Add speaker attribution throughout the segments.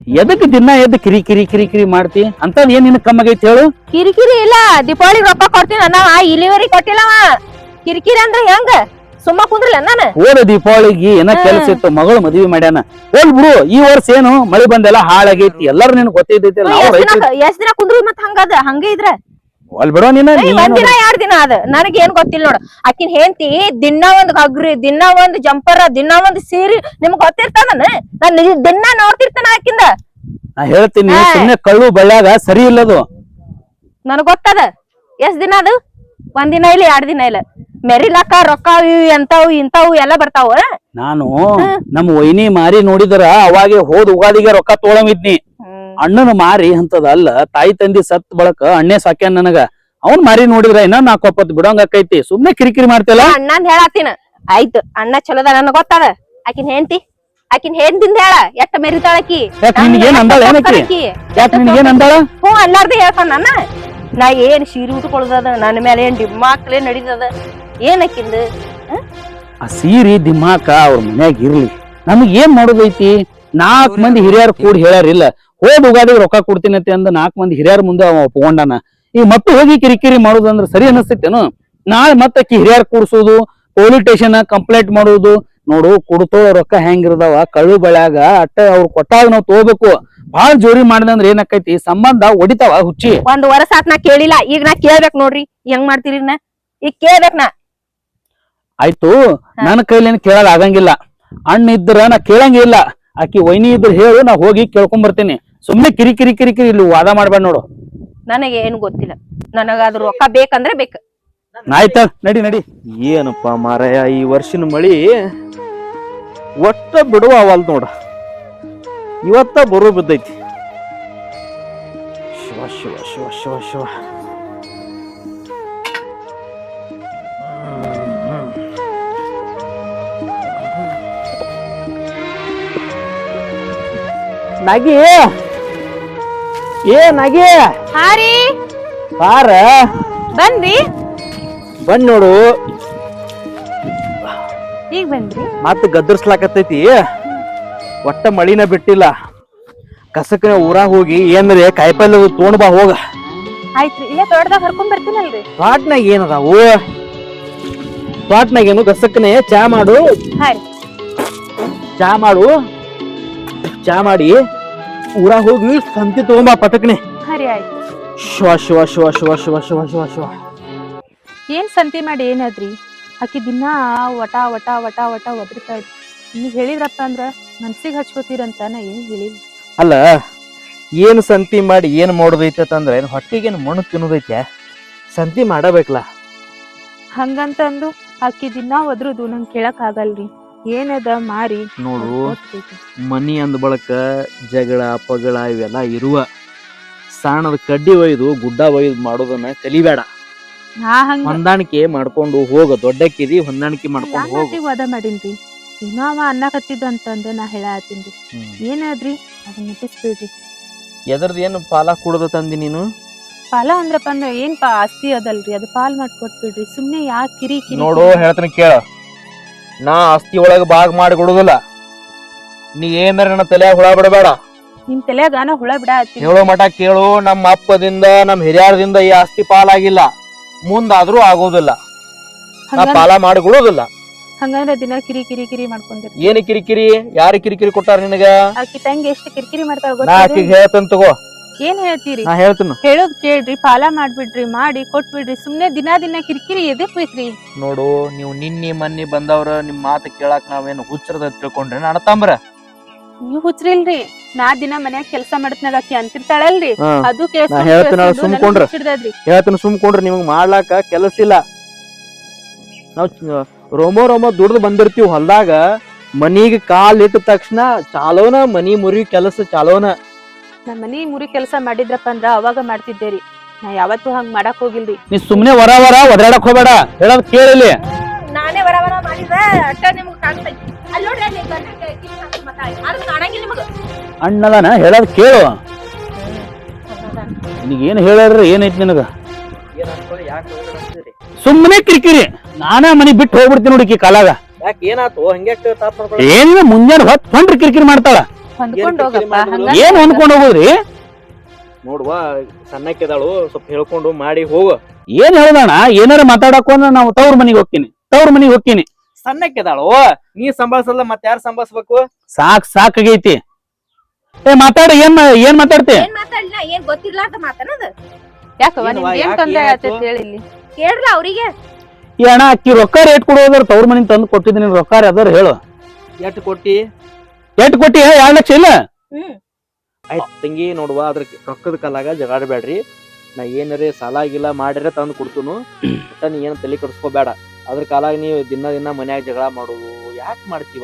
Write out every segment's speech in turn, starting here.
Speaker 1: ಎದಕ್ ದಿನ ಎದ್ದು ಕಿರಿ ಕಿರಿ ಕಿರಿ ಕಿರಿ ಮಾಡ್ತಿ ಅಂತದ್ ಏನ್ ನಿನ್ ಕಮ್ಮಾಗೈತಿ ಹೇಳು.
Speaker 2: ಕಿರಿಕಿರಿ ಇಲ್ಲ, ದೀಪಾವಳಿ ರೊಕ್ಕ ಕೊಡ್ತೀನಿ ಅನ್ನ ಇಲಿವರಿ ಕೊಟ್ಟಿಲ್ಲವ. ಕಿರಿಕಿರಿ ಅಂದ್ರ ಹೆಂಗ? ಸುಮ್ಮ ಕುಂದ್ರಲ್ಲ ನಾನು.
Speaker 1: ಹೋದ ದೀಪಾವಳಿಗೆ ಏನ ಕೆಲಸ ಇತ್ತು, ಮಗಳು ಮದ್ವಿ ಮಾಡ್ಯಾನ. ಹೋಲ್ ಬಿಡು, ಈ ವರ್ಷ ಏನು ಮಳಿ ಬಂದೆಲ್ಲ ಹಾಳಾಗೈತಿ, ಎಲ್ಲಾರು ನಿನ್ ಗೊತ್ತೈತಿ.
Speaker 2: ಎಷ್ಟ್ ದಿನ ಕುಂದ್ರಿ ಮತ್ ಹಂಗದ ಹಂಗ ಇದ್ರ
Speaker 1: ಹೋಲ್ ಬಿಡೋ ನೀನ.
Speaker 2: ಒಂದ್ ದಿನ 2 ದಿನ ಅದ, ನನಗ್ ಏನ್ ಗೊತ್ತಿಲ್ಲ ನೋಡ. ಆಕಿನ್ ಹೆಂಡತಿ ದಿನ ಒಂದ್ ಗಗ್ರಿ, ದಿನ ಒಂದ್ ಜಂಪರ, ದಿನ ಒಂದ್ ಸೀರೆ, ನಿಮ್ಗ್ ಗೊತ್ತಿರ್ತದ. ನಾನ್ ದಿನ ನೋಡ್ತಿರ್ತಾನ ಆಕಿಂದ.
Speaker 1: ನಾ ಹೇಳ್ತೀನಿ, ಸುಮ್ನೆ ಕಳ್ಳು ಬಳ್ಳ್ಯಾಗ ಸರಿ ಇಲ್ಲದು.
Speaker 2: ನನಗ್ ಗೊತ್ತದ. ಎಷ್ಟ್ ದಿನ ಅದು? 1 ದಿನ ಇಲ್ಲ 2 ದಿನ ಇಲ್ಲ. ಮೆರಿಲಾಕ ರೊಕ್ಕ ಎಂತಾವು ಇಂತಾವು ಎಲ್ಲ ಬರ್ತಾವ. ನಾನು
Speaker 1: ನಮ್ಮ ವೈನಿ ಮಾರಿ ನೋಡಿದ್ರ ಅವಾಗೆ ಹೋದ್ ಉಗಾದಿಗೆ ರೊಕ್ಕ ತೊಗೊಳಮಿದ್ನಿ. ಅಣ್ಣನ ಮಾರಿ ಅಂತದ ಅಲ್ಲ, ತಾಯಿ ತಂದಿ ಸತ್ ಬಳಕ ಅಣ್ಣೆ ಸಾಕ್ಯಾನ ನನಗ. ಅವ್ನ್ ಮಾರಿ ನೋಡಿದ್ರ ಇನ್ನ 4 ಬಿಡೋಂಗ ಆಕೈತಿ. ಸುಮ್ನೆ ಕಿರಿಕಿರಿ ಮಾಡ್ತಿಲ್ಲ.
Speaker 2: ಅಣ್ಣಂದ್ ಹೇಳತ್ತೀನ ಆಯ್ತು, ಅಣ್ಣ ಚಲೋದ ನನಗ್ ಗೊತ್ತದ. ಆಕಿನ್ ಹೆಂಡತಿಂದ ಹೇಳ ಎಷ್ಟ ಮೆರಿತಾಳಕಿ.
Speaker 1: ನಿನ್ಗೇನ್ ಅಂದಾಳ ಏನಕಿ? ಯಾಕೆ ನಿನ್ಗೇನ್ ಅಂದಾಳ?
Speaker 2: ಹ್ಞೂ ಅಲ್ಲಾರ್ದೆ ಹೇಳ್ತಾನ ನನ್ನ. ನಾ ಏನ್ ಸೀರೆ ಉಟ್ಕೊಳ್ದದ, ನನ್ನ ಮೇಲೆ ಏನ್ ಡಿಮ್ಮಾಕ್ಲೆ ನಡೀತದ ಏನಕ್ಕಿಂದ.
Speaker 1: ಆ ಸೀರಿ ದಿಮಾಕ ಅವ್ರ ಮನ್ಯಾಗ ಇರ್ಲಿ, ನಮಗ್ ಏನ್ ಮಾಡೋದೈತಿ? 4 ಮಂದಿ ಹಿರಿಯರ್ ಕೂಡಿ ಹೇಳ್ಯಾರಿಲ್ಲ, ಹೋದ್ ಉಗಾದಿಗೆ ರೊಕ್ಕ ಕೊಡ್ತೀನಿ ಅಂದ 4 ಮಂದಿ ಹಿರಿಯರ ಮುಂದೆ ಅವ ಒಪ್ಕೊಂಡಾನ. ಈಗ ಮತ್ತೆ ಹೋಗಿ ಕಿರಿಕಿರಿ ಮಾಡೋದಂದ್ರ ಸರಿ ಅನಿಸ್ತೇನು? ನಾಳೆ ಮತ್ತಕ್ಕಿ ಹಿರಿಯರ್ ಕೂಡ್ಸೋದು, ಪೊಲೀಸ್ ಸ್ಟೇಷನ್ ಕಂಪ್ಲೇಂಟ್ ಮಾಡೋದು. ನೋಡು, ಕೊಡ್ತೋ ರೊಕ್ಕ ಹೆಂಗಿರ್ದಾವ ಕಳ್ಳು ಬಳ್ಯಾಗ ಅಟ್ಟ ಅವ್ರು ಕೊಟ್ಟಾಗ ನಾವ್ ತಗೋಬೇಕು. ಬಾಳ ಜೋರಿ ಮಾಡಿದಂದ್ರ ಏನಕ್ಕೈತಿ, ಸಂಬಂಧ ಒಡಿತಾವ ಹುಚ್ಚಿ.
Speaker 2: 1 ವರ್ಷ ಆತ್ ನಾ ಕೇಳಿಲ್ಲ, ಈಗ ನಾ ಕೇಳ್ಬೇಕ್ ನೋಡ್ರಿ. ಹೆಂಗ್ ಮಾಡ್ತೀರಿ ಈಗ ಕೇಳ್ಬೇಕ್ ನಾ.
Speaker 1: ಆಯ್ತು, ನನ್ನ ಕೈಲೇನ್ ಕೇಳೋದ್ ಆಗಂಗಿಲ್ಲ. ಅಣ್ಣ ಇದ್ರ ನಾ ಕೇಳಂಗಿಲ್ಲ. ಆಕಿ ವೈನಿ ಇದ್ರ ಹೇಳು, ನಾ ಹೋಗಿ ಕೇಳ್ಕೊಂಡ್ ಬರ್ತೀನಿ. ಸುಮ್ನೆ ಕಿರಿ ಕಿರಿ ಕಿರಿ ಕಿರಿ ಇಲ್ಲಿ ವಾದ ಮಾಡ್ಬೇಡ ನೋಡು.
Speaker 2: ನನಗೆ ಏನು ಗೊತ್ತಿಲ್ಲ, ನನಗ ಅದ್ರ ರೊಕ್ಕ ಬೇಕಂದ್ರೆ ಬೇಕು.
Speaker 1: ಆಯ್ತ ನಡಿ ನಡಿ.
Speaker 3: ಏನಪ್ಪ ಮಾರಾಯ, ಈ ವರ್ಷಿನ ಮಳಿ ಒಟ್ಟ ಬಿಡುವ ಅವಲ್ ನೋಡ. ಇವತ್ತ ಬರೋ ಬಿದ್ದೈತಿ. ಶಿವ ಶಿವ ಶಿವ ಶಿವ ಶಿವ.
Speaker 1: ನಾಗಿ ನಾಗಿ
Speaker 2: ಹಾರಿ
Speaker 1: ಬಾರ.
Speaker 2: ಬಂದ್ರಿ?
Speaker 1: ಬಂದ್ ನೋಡು,
Speaker 2: ಈಗ ಬಂದ್ರಿ?
Speaker 3: ಮತ್ತ ಗದ್ದರ್ಸ್ಲಾಕತ್ತೈತಿ. ಒಟ್ಟ ಮಳಿನ ಬಿಟ್ಟಿಲ್ಲ. ಕಸಕನ ಊರಾಗ ಹೋಗಿ ಏನ್ರೆ ಕಾಯಿಪಲ್ಲೆ ತೊಗೊಂಡ್ ಬಾ ಹೋಗ.
Speaker 2: ಆಯ್ತ್ರಿ, ಇಲ್ಲೇ ತೋಟದಾಗ ಹರ್ಕೊಂಡ್ ಬರ್ತೀನಲ್ರಿ.
Speaker 3: ತೋಟ್ನಾಗ ಏನದಾವು? ತೋಟ್ನಾಗ ಏನು ಕಸಕನೆ ಚಾ ಮಾಡು. ಚಾ ಮಾಡು, ಚಾ ಮಾಡಿ ಊರಾಗ ಹೋಗಿ ಸಂತಿ ತಗೊಂಬಾ ಪಟಕ್ನೆ.
Speaker 2: ಹರಿ ಆಯ್ತು.
Speaker 3: ಶಿವ ಶಿವ ಶಿವ ಶಿವ ಶಿವ ಶಿವ ಶಿವ ಶಿವ.
Speaker 2: ಏನ್ ಸಂತಿ ಮಾಡಿ ಏನಾದ್ರಿ? ಆಕಿ ದಿನ ವಟ ವಟ ವಟ ವಟ ಒದರ್ತಾಳ್ರಿ. ನೀವ್ ಹೇಳಿದ್ರಪ್ಪ ಅಂದ್ರ ಮನ್ಸಿಗೆ ಹಚ್ಕೋತೀರಂತ ನಾ ಏನ್ ಹೇಳಿಲ್ಲ.
Speaker 3: ಅಲ್ಲ, ಏನು ಸಂತಿ ಮಾಡಿ ಏನ್ ಮಾಡೋದೈತೆ ಅಂದ್ರೆ ಏನ್ ಹೊಟ್ಟಿಗೇನು ಮಣ್ಣು ತಿನ್ನೋದೈತೆ? ಸಂತಿ ಮಾಡಬೇಕಲ್ಲ.
Speaker 2: ಹಂಗಂತಂದು ಆಕಿ ದಿನ ಒದ್ರುದು ನಂಗೆ ಕೇಳಕ್ ಆಗಲ್ರಿ. ಏನದ ಮಾರಿ
Speaker 3: ನೋಡು, ಮನಿ ಅಂದ ಬಳಕ ಜಗಳ ಪಗಳ ಇವೆಲ್ಲ ಇರುವ. ಸಾಣದ ಕಡ್ಡಿ ಒಯ್ದು ಗುಡ್ಡ ಒಯ್ದು ಮಾಡೋದನ್ನ ಕಲಿಬೇಡ. ಹೊಂದಾಣಿಕೆ ಮಾಡ್ಕೊಂಡು ಹೋಗ. ದೊಡ್ಡಕ್ಕಿದಿ, ಹೊಂದಾಣಿಕೆ ಮಾಡ್ಕೊಂಡು ಹೋಗ.
Speaker 2: ವಾದ ಮಾಡಿನ್ರಿ, ಏನೋ ಅವ ಅನ್ನಕತ್ತಿದ್ದ ಅಂತಂದ ನಾ ಹೇಳತ್ತೀನ್ರಿ. ಏನಾದ್ರಿ ಅದನ್ನ ಮುಟ್ಟಿಸ್ಬಿಡ್ರಿ.
Speaker 3: ಎದರ್ದ ಏನು ಪಾಲ ಕುಡ್ದ ತಂದಿ ನೀನು?
Speaker 2: ಪಾಲ ಅಂದ್ರಪ್ಪ ಅಂದ್ರ ಏನ್ ಆಸ್ತಿ ಅದಲ್ರಿ, ಅದು ಪಾಲ್ ಮಾಡ್ಕೊಟ್ಬಿಡ್ರಿ. ಸುಮ್ನೆ ಯಾಕೆ ಕಿರಿ ಕಿರಿ.
Speaker 3: ನೋಡು, ಹೇಳ್ತೀನಿ ಕೇಳ. ನಾ ಆಸ್ತಿ ಒಳಗ ಭಾಗ ಮಾಡಿ ಕೊಡುದಿಲ್ಲ. ನೀ ಏನಾರ ನನ್ನ ತಲೆಯಾಗ ಹುಳ ಬಿಡಬೇಡ.
Speaker 2: ನಿಮ್ ತಲೆಯಾಗ ನಾ ಹುಳ ಬಿಡ
Speaker 3: ಹೇಳೋ ಮಠ ಕೇಳು. ನಮ್ಮ ಅಪ್ಪದಿಂದ ನಮ್ಮ ಹಿರಿಯರದಿಂದ ಈ ಆಸ್ತಿ ಪಾಲಾಗಿಲ್ಲ, ಮುಂದಾದ್ರೂ ಆಗೋದಿಲ್ಲ. ನಾ ಪಾಲ ಮಾಡಿ ಕೊಡುದಿಲ್ಲ.
Speaker 2: ಹಂಗಂದ್ರ ದಿನ ಕಿರಿ ಕಿರಿ ಕಿರಿ ಮಾಡ್ಕೊಂಡಿರಿ.
Speaker 3: ಏನ್ ಕಿರಿಕಿರಿ? ಯಾರು ಕಿರಿಕಿರಿ ಕೊಟ್ಟಾರ ನಿನಗ?
Speaker 2: ಆಕಿ ತಂಗಿ ಎಷ್ಟು ಕಿರಿಕಿರಿ ಮಾಡ್ತಾಳ
Speaker 3: ನಾ ಆಕಿಗೆ ಹೇಳ್ತೇನೆ ತಗೋ.
Speaker 2: ಏನ್ ಹೇಳ್ತೀರಿ?
Speaker 3: ನಾ ಹೇಳ್ತೀನಿ.
Speaker 2: ಹೇಳೋದ್ ಕೇಳ್ರಿ, ಪಾಲ ಮಾಡ್ಬಿಡ್ರಿ, ಮಾಡಿ ಕೊಟ್ಬಿಡ್ರಿ. ಸುಮ್ನೆ ದಿನ ಕಿರಿಕಿರಿ ಎದಕ್ ಬೇಕ್ರಿ?
Speaker 3: ನೋಡು, ನೀವು ನಿನ್ನೆ ಮೊನ್ನೆ ಬಂದವ್ರ ನಿಮ್ ಮಾತು ಕೇಳಾಕ್ ನಾವೇನು ಹುಚ್ಚರದ ತಿಳ್ಕೊಂಡ್ರೆ ಅಣ್ಣತಂಬ್ರ.
Speaker 2: ನೀವ್ ಹುಚ್ರಿಲ್ರಿ. ನಾ ದಿನ ಮನ್ಯಾಗ ಕೆಲ್ಸ ಮಾಡತ್ನಾಗ ಆಕಿ ಅಂತಿರ್ತಾಳಲ್ರಿ, ಅದು
Speaker 3: ಹೇಳ್ತೀನಿ ಸುಮ್ಕೊಂಡ್ರಿ. ನಿಮಗ್ ಮಾಡ್ಲಾಕ ಕೆಲಸ ಇಲ್ಲ. ನಾವ್ ರೋಮೋ ದುಡ್ದು ಬಂದಿರ್ತೀವಿ ಹೊಲ್ದಾಗ. ಮನಿಗೆ ಕಾಲ್ ಇಟ್ಟ ತಕ್ಷಣ ಚಾಲೋನ ಮನಿ ಮುರಿ ಕೆಲಸ ಚಾಲೋನ.
Speaker 2: ನಾ ಮನಿ ಮುರಿ ಕೆಲಸ ಮಾಡಿದ್ರಪ್ಪ ಅಂದ್ರ ಅವಾಗ ಮಾಡ್ತಿದ್ದೇರಿ. ನಾ ಯಾವತ್ತೂ ಹಂಗ್ ಮಾಡಕ್ ಹೋಗಿಲ್ರಿ.
Speaker 1: ನೀ ಸುಮ್ನೆ ವರ ವರ ಒದರಾಡಕ್ ಹೋಗ್ಬೇಡ, ಹೇಳೋದ್ ಕೇಳಿಲಿ.
Speaker 2: ನಾನೇ ವರ ವರ ಮಾಡಿದ್ರ ಅಟ್ಟ ನಿಮ್ಗ್ ಕಾಣ್ತೈತಿ. ಅಲ್ಲಿ ನೋಡ್ರಿ, ಅಲ್ಲಿ ಕಾಣಂಗಿಲ್ಲ ನಿಮಗ.
Speaker 1: ಅಣ್ಣದಾನ ಹೇಳೋದ್ ಕೇಳು. ನಿನಗೇನ್ ಹೇಳ್ಯಾರ? ಏನೈತಿ ನಿನಗ? ಸುಮ್ಮನೆ ಕಿರಿಕಿರಿ. ನಾನೇ ಮನಿ ಬಿಟ್ಟು ಹೋಗ್ಬಿಡ್ತೀನಿ ನೋಡಿ ಕಾಲಾಗ.
Speaker 3: ಏನಾತು?
Speaker 1: ಏನಿಲ್ಲ, ಮುಂಜಾನೆ ಹೊತ್ತು ಹೊಂಡ್ರಿ ಕಿರಿಕಿರಿ ಮಾಡ್ತಾಳ.
Speaker 2: ಹೊಂದ್ಕೊಂಡ್ ಹೋಗಪ್ಪ ಹಂಗ
Speaker 1: ಏನ್ ಹೊಂದ್ಕೊಂಡ್ ಹೋಗುದ್ರಿ?
Speaker 3: ನೋಡುವ ಸಣ್ಣಕ್ಕಿದಾಳು ಸ್ವಲ್ಪ ಹೇಳ್ಕೊಂಡು ಮಾಡಿ ಹೋಗು.
Speaker 1: ಏನ್ ಹೇಳ್ದಣ್ಣ, ಏನಾರ ಮಾತಾಡಕೊಂಡ ನಾವು ತವ್ರ ಮನಿಗ್ ಹೋಗ್ತೀನಿ.
Speaker 3: ಸಣ್ಣಕ್ಕಿದಾಳು ನೀ ಸಂಭಾಳ್ಸಲ್ಲ ಮತ್ತೆ ಯಾರು ಸಂಭಾಳ್ಸ್ಬೇಕು?
Speaker 1: ಸಾಕಾಗೈತಿ. ಮಾತಾಡ, ಏನ್ ಮಾತಾಡ್ತಿ?
Speaker 2: ಏನ್ ಮಾತಾಡ್ಲಿಲ್ಲ, ಏನ್ ಗೊತ್ತಿರ್ಲಾರ್ದ ಮಾತಾಡೋದು.
Speaker 4: ಯಾಕವ್ವ
Speaker 3: ಏನ್ವಾ,
Speaker 4: ನಿಮ್ಗೆ ಏನ್
Speaker 3: ಯಾಕೆ
Speaker 4: ತೊಂದ್ರೆ
Speaker 3: ಏನಾಯ್ತು?
Speaker 4: ಆತೈತಿ ಹೇಳಿ ಇಲ್ಲಿ.
Speaker 2: ಕೇಳ್ರ ಅವ್ರಿಗೆ
Speaker 1: ಈ ಅಣ್ಣ ಅಕ್ಕಿ ರೊಕ್ಕ ರೇಟ್ ಕೊಡೋದ್ರ ತವ್ರ ಮನಿಗ್ ತಂದು ಕೊಟ್ಟಿದ್ದೀನಿ, ರೊಕ್ಕ ಅದಾರ ಹೇಳು.
Speaker 3: ಎಷ್ಟು ಕೊಟ್ಟಿ?
Speaker 1: ಎಷ್ಟ್ ಕೊಟ್ಟಿ? 2 ಲಕ್ಷ ಇಲ್ಲ?
Speaker 2: ಹ್ಮ್
Speaker 3: ಆಯ್ತು ತಂಗಿ, ನೋಡುವ ಅದ್ರ ರೊಕ್ಕದ ಕಾಲಾಗ ಜಗಾಡಬೇಡ್ರಿ. ನಾ ಏನಾರೇ ಸಾಲ ಆಗಿಲ್ಲ ಮಾಡಿದ್ರೆ ತಂದು ಕೊಡ್ತುನು. ಒಟ್ಟ ನೀ ಏನು ತಲೆ ಕೆಡಿಸ್ಕೋಬೇಡ. ಅದ್ರ ಕಾಲಾಗ ನೀವು ದಿನ ಮನ್ಯಾಗ ಜಗಳ ಮಾಡೋದು ಯಾಕೆ ಮಾಡ್ತೀವ?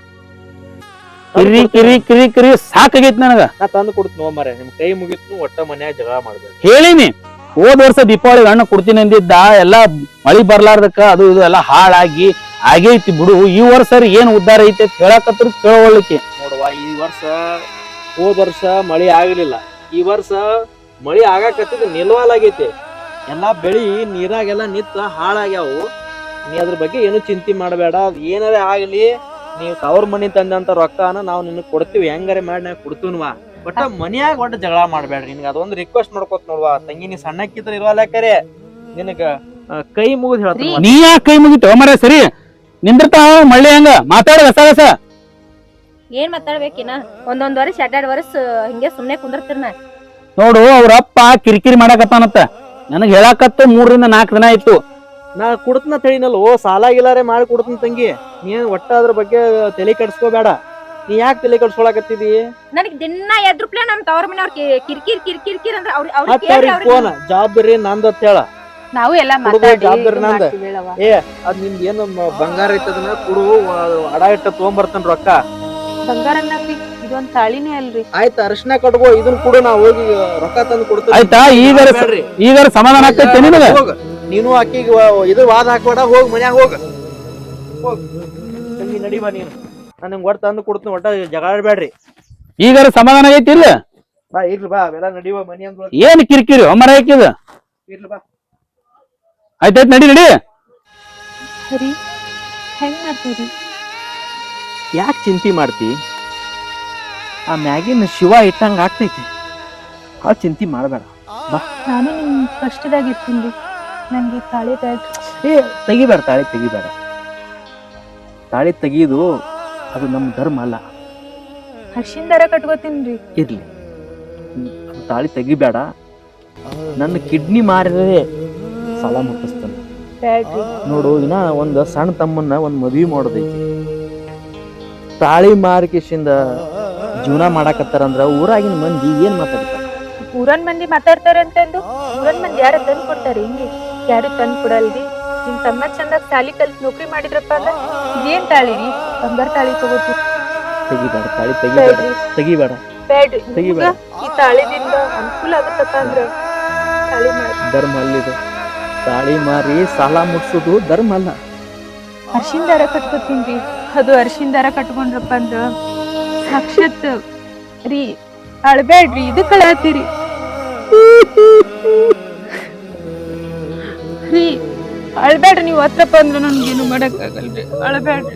Speaker 1: ಕಿರಿ ಸಾಕಾಗೈತಿ ನನಗ.
Speaker 3: ನಾ ತಂದು ಕೊಡ್ತೀನಿ ಮಾರ್ರೆ, ನಿಮ್ ಕೈ ಮುಗಿತ್ನು ಒಟ್ಟ ಮನ್ಯಾಗ ಜಗಳ ಮಾಡ್ಬೇಕು.
Speaker 1: ಹೇಳಿನಿ, ಹೋದ್ ವರ್ಷ ದೀಪಾವಳಿಗೆ ಹಣ್ಣು ಕೊಡ್ತೀನಿ ಅಂದಿದ್ದ, ಎಲ್ಲಾ ಮಳಿ ಬರ್ಲಾರ್ದಕ್ಕ ಅದು ಇದು ಎಲ್ಲಾ ಹಾಳಾಗಿ ಆಗೈತಿ ಬಿಡು. ಈ ವರ್ಷ ಏನ್ ಉದ್ದಾರ ಐತಿ ಅಂತ ಹೇಳಕತ್ರ ಕೇಳೋಳ್ಳಿಕ್ಕೆ.
Speaker 3: ನೋಡುವ, ಈ ವರ್ಷ ಹೋದ ವರ್ಷ ಮಳಿ ಆಗ್ಲಿಲ್ಲ, ಈ ವರ್ಷ ಮಳಿ ಆಗಾಕತ್ತಿದ್ ನಿಲ್ವಾಲಾಗೈತಿ. ಎಲ್ಲಾ ಬೆಳಿ ನೀರಾಗೆಲ್ಲ ನಿಂತ ಹಾಳಾಗ್ಯಾವು. ನೀ ಅದ್ರ ಬಗ್ಗೆ ಏನು ಚಿಂತೆ ಮಾಡಬೇಡ. ಏನಾರೇ ಆಗ್ಲಿ, ನೀವು ತವ್ರ ಮನಿ ತಂದಂತ ರೊಕ್ಕನ ನಾವು ನಿನಗ್ ಕೊಡ್ತೀವಿ, ಹೆಂಗಾರೆ ಮಾಡಿ ನಾ ಕೊಡ್ತೀನ್ವಾ. ಒಟ್ಟ ಮನ್ಯಾಗ ಒಟ್ಟ ಜಗಳ ಮಾಡ್ಬೇಡ್ರಿ. ನಿನ್ಗ ಅದೊಂದು ರಿಕ್ವೆಸ್ಟ್ ಮಾಡ್ಕೊತ ನೋಡ್ವಾ ತಂಗಿ, ನೀ ಸಣ್ಣಕ್ಕಿದ್ರ ಇರುವಲ್ಲಾಕರೆ ನಿನಗ ಕೈ ಮುಗಿದ್ ಹೇಳ್ತೀನಿ.
Speaker 1: ನೀ ಯಾಕೆ ಕೈ ಮುಗಿತು ಮರ? ಸರಿ ನಿಂದಿರ್ತಾವ ಮಳ್ಳಿ ಹಂಗ ಮಾತಾಡ ಗಸ.
Speaker 2: ಏನ್ ಮಾತಾಡ್ಬೇಕಿನ? ಒಂದೊಂದ್ ವರ್ಷ 2 ವರ್ಷ ಹಿಂಗೆ ಸುಮ್ನೆ ಕುಂದಿರ್ತಿರ್ನ.
Speaker 1: ನೋಡು, ಅವ್ರ ಅಪ್ಪ ಕಿರಿಕಿರಿ ಮಾಡಕತ್ತಾನತ್ತ. ನನಗ್ ಹೇಳಕತ್ತ 3 ರಿಂದ 4 ದಿನ ಆಯ್ತು.
Speaker 3: ನಾ ಕುಡ್ತನ ತಿಳಿನಲ್ಲ, ಸಾಲ ಗಿಲಾರೆ ಮಾಡಿ ಕೊಡ್ತೀನಿ ತಂಗಿ. ನೀನ್ ಒಟ್ಟ ಅದ್ರ ಬಗ್ಗೆ ತಲೆ ಕೆಡ್ಸ್ಕೋಬೇಡ. ನೀ ಯಾಕೆ ತಲೆ ಕೆಡ್ಸ್ಕೊಳಕತ್ತಿದಿ?
Speaker 2: ನನಗ್ ದಿನ ಎದ್ರುಪ್ಲೆ ನಮ್ ತವ್ರ ಮನೆಯವ್ರ ಕಿರ್ಕಿರ್ ಅಂದ್ರೆ
Speaker 3: ಫೋನ್ ಜವಾಬ್ದಾರಿ ನಂದತ್ ಹೇಳ.
Speaker 4: ನಾವು ಎಲ್ಲಾ
Speaker 3: ಹುಡುಗ
Speaker 4: ಮಾತಾಡಿ
Speaker 3: ಜವಾಬ್ದಾರಿ ನಂದ.
Speaker 4: ಮಾಡ್ತೀವಿ ಹೇಳವ್ವ.
Speaker 3: ಅದ್ ನಿಮ್ದು ಏನು ಬಂಗಾರ ಐತದನ್ನ ಕುಡು, ಅಡ ಇಟ್ಟ ತಗೊಂಬರ್ತೇನ್ ರೊಕ್ಕ.
Speaker 4: ಬಂಗಾರ ಅನ್ನಕ್ರಿ ಇದೊಂದ್ ತಾಳಿನೇ ಅಲ್ರಿ.
Speaker 3: ಆಯ್ತು, ಅರಿಶಿನ ಕಟ್ಕೋ, ಇದನ್ ಕೂಡ ನಾ ಹೋಗಿ ರೊಕ್ಕ ತಂದು ಕೊಡ್ತೇನೆ.
Speaker 1: ಆಯ್ತಾ? ಈಗ ಸಮಾಧಾನ ಆಗ್ತೈತೆ ನಿನಗ?
Speaker 3: ಹೋಗ ನೀನು ಅಕ್ಕಿಗೆ ಇದು ವಾದ ಹಾಕ್ಬೇಡ, ಹೋಗ್ ಮನ್ಯಾಗ ಹೋಗ ತಂಗಿ, ನಡಿವಾ ನೀನು. ನಾನು ನಿಮ್ಗೆ ಒಟ್ಟು ತಂದು ಕೊಡ್ತೀನಿ, ಒಟ್ಟ ಜಗಾಡ್ಬೇಡ್ರಿ.
Speaker 1: ಈಗ ಸಮಾಧಾನ ಆಗೈತಿ ಇಲ್ಲ?
Speaker 3: ಬಾ ಇರ್ಲಿ ಬಾ, ಅವೆಲ್ಲ ನಡಿವ ಮನಿ ಅಂದ್
Speaker 1: ಏನ್ ಕಿರಿಕಿರಿ ಮರ ಹಾಕಿದ?
Speaker 3: ಇರ್ಲಿ ಬಾ.
Speaker 1: ಆಯ್ತಾಯ್ತು, ನಡಿ.
Speaker 4: ಸರಿ, ಹೆಂಗ್ ಮಾಡ್ತೀರಿ?
Speaker 3: ಯಾಕೆ ಚಿಂತೆ ಮಾಡ್ತಿ? ಆ ಮ್ಯಾಗಿನ ಶಿವ ಇಟ್ಟಂಗ ಆಗ್ತೈತಿ. ಆ ಚಿಂತೆ ಮಾಡಬೇಡ.
Speaker 4: ನಾನು ನಿಮ್ ಕಷ್ಟದಾಗ ಇರ್ತೀನಿ. ನಂಗೆ ತಾಳಿ ಬ್ಯಾಡ್ರಿ.
Speaker 3: ತೆಗಿಬೇಡ, ತಾಳಿ ತೆಗಿಬೇಡ. ತಾಳಿ ತೆಗಿಯೋದು ಅದು ನಮ್ಮ ಧರ್ಮ ಅಲ್ಲ.
Speaker 4: ಅರ್ಶಿನ ದಾರ ಕಟ್ಕೋತೀನ್ರಿ.
Speaker 3: ಇರ್ಲಿ, ಅದು ತಾಳಿ ತೆಗಿಬೇಡ. ನನ್ನ ಕಿಡ್ನಿ ಮಾರಿದ್ರೆ ಸಾಲ ಮುಟ್ಟಿಸ್ತಾನೆ.
Speaker 4: ಬ್ಯಾಡ್ರಿ.
Speaker 3: ನೋಡು, ಇನ್ನ ಒಂದು ಸಣ್ಣ ತಮ್ಮನ್ನ ಒಂದು ಮದ್ವಿ ಮಾಡೋದೈತಿ. ತಾಳಿ ಮಾರಿಕೆಶಿಂದ ಜೀವನ ಮಾಡಾಕತ್ತಾರಂದ್ರ ಊರಾಗಿನ ಮಂದಿ ಏನ್ ಮಾತಾಡ್ತಾರ?
Speaker 4: ಊರನ್ ಮಂದಿ ಮಾತಾಡ್ತಾರೆ ಅಂತಂದು ಊರನ್ ಮಂದಿ ಯಾರ ತಂದ್ ಕೊಡ್ತಾರೆ? ಹಿಂಗೆ ಯಾರು ತಂದ್ ಕೊಡಲ್ರಿ. ನಿಮ್ ತಮ್ಮ ಚಂದಾಗ ತಾಳಿ ಕಲ್ಸಿ ನೌಕರಿ ಮಾಡಿದ್ರಪ್ಪ ಅಂದ್ರ ಇದೇನ್ ತಾಳಿ ರೀ? ಬಂಗಾರ ತಾಳಿ ತಗೋತೀವಿ.
Speaker 3: ತೆಗಿಬೇಡ, ತಾಳಿ ತೆಗಿಬೇಡ.
Speaker 4: ಬ್ಯಾಡ್ರಿ.
Speaker 3: ತೆಗಿಬೇಡ.
Speaker 4: ಈ ತಾಳಿದಿಂದ ಅನುಕೂಲ ಆಗತ್ತಪ್ಪ ಅಂದ್ರ ತಾಳಿ ಮಾಡಿ.
Speaker 3: ಧರ್ಮ ಅಲ್ಲಿದು. ತಾಳಿ ಮಾರಿ ಸಾಲ ಮುಟ್ಸೋದು ಧರ್ಮ ಅಲ್ಲ.
Speaker 4: ಅರ್ಶಿನ ದಾರ ಕಟ್ಕೋತೀನ್ರಿ. ಅದು ಅರ್ಶಿನ ದಾರ ಕಟ್ಕೊಂಡ್ರಪ್ಪ ಅಂದ್ರ ಸಾಕ್ಷಾತ್ ರೀ. ಅಳ್ಬೇಡ್ರಿ, ಇದು ಕಳಾತೀರಿ ರೀ. ಅಳ್ಬೇಡ್ರಿ, ನೀವ್ ಹತ್ರಪ್ಪ ಅಂದ್ರ ನನ್ಗೇನು ಮಾಡಕ್ ಆಗಲ್ರಿ. ಅಳ್ಬೇಡ್ರಿ,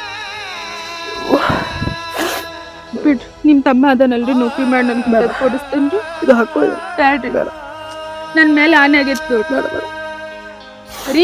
Speaker 4: ಬಿಡ್ರಿ. ನಿಮ್ ತಮ್ಮ ಅದನಲ್ರಿ, ನೌಕರಿ ಮಾಡಿ ನನ್ಗೆ ಕೊಡಿಸ್ತೇನ್ರಿ.
Speaker 3: ಇದು ಹಾಕೋ.
Speaker 4: ಬ್ಯಾಡ್ರಿ, ನನ್ ಮೇಲೆ ಆನೆ ಆಗೈತಿ ರೀ.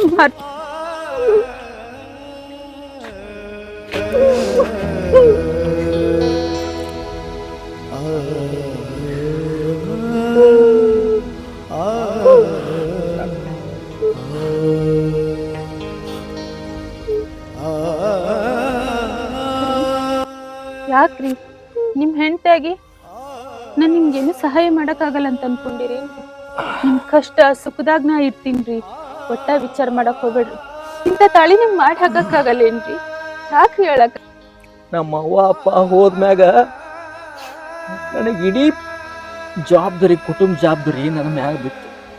Speaker 4: ಯಾಕ್ರಿ ನಿಮ್ ಹೆಂಡತಿಯಾಗಿ ನಾನ್ ನಿಮ್ಗೇನು ಸಹಾಯ ಮಾಡಕ್ ಆಗಲ್ಲ ಅಂತ ಅನ್ಕೊಂಡಿರಿ? ನಿಮ್ ಕಷ್ಟ ಸುಖದಾಗ ನಾ ಇರ್ತೀನ್ರಿ. ಒಟ್ಟ ವಿಚಾರ ಮಾಡಕ್ ಹೋಗ್ಬೇಡ್ರಿ. ಇಂತ ತಾಳಿ ನಿಮ್ ಮಾಡಿ ಹಾಕಕ್ ಆಗಲ್ಲೇನ್ರಿ? ಯಾಕ್ರಿ ಹೇಳಕ್?
Speaker 3: ನಮ್ಮ ಅವ್ವ ಅಪ್ಪ ಹೋದ್ಮ್ಯಾಗ ನನಗೆ ಇಡೀ ಜವಾಬ್ದಾರಿ, ಕುಟುಂಬ ಜವಾಬ್ದಾರಿ ನನ್ನ ಮ್ಯಾಗ ಬಿತ್ತು.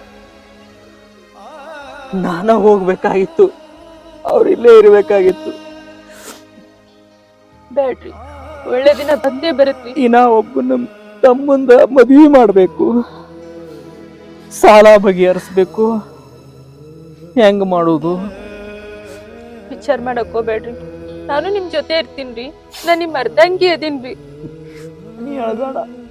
Speaker 3: ನಾನ ಹೋಗ್ಬೇಕಾಗಿತ್ತು, ಅವ್ರಿಲ್ಲೇ ಇರ್ಬೇಕಾಗಿತ್ತು.
Speaker 4: ಬೇಡ್ರಿ, ಒಳ್ಳೆ ದಿನ ಬಂದೇ ಬರತ್ರಿ.
Speaker 3: ಇನ್ನ ಒಬ್ಬನ ತಮ್ಮಂದ ಮದ್ವಿ ಮಾಡ್ಬೇಕು, ಸಾಲ ಬಗೆಹರಿಸ್ಬೇಕು. ಹೆಂಗ್ ಮಾಡೋದು?
Speaker 4: ವಿಚಾರ ಮಾಡಕ್ ಹೋಗ್ಬೇಡ್ರಿ. ನಾನು ನಿಮ್ ಜೊತೆ ಇರ್ತೀನ್ರಿ. ನಾ ನಿಮ್ ಅರ್ಧಂಗಿ ಅದೀನ್ರಿ.
Speaker 3: ನೀ ಅಳ್ಬೇಡ.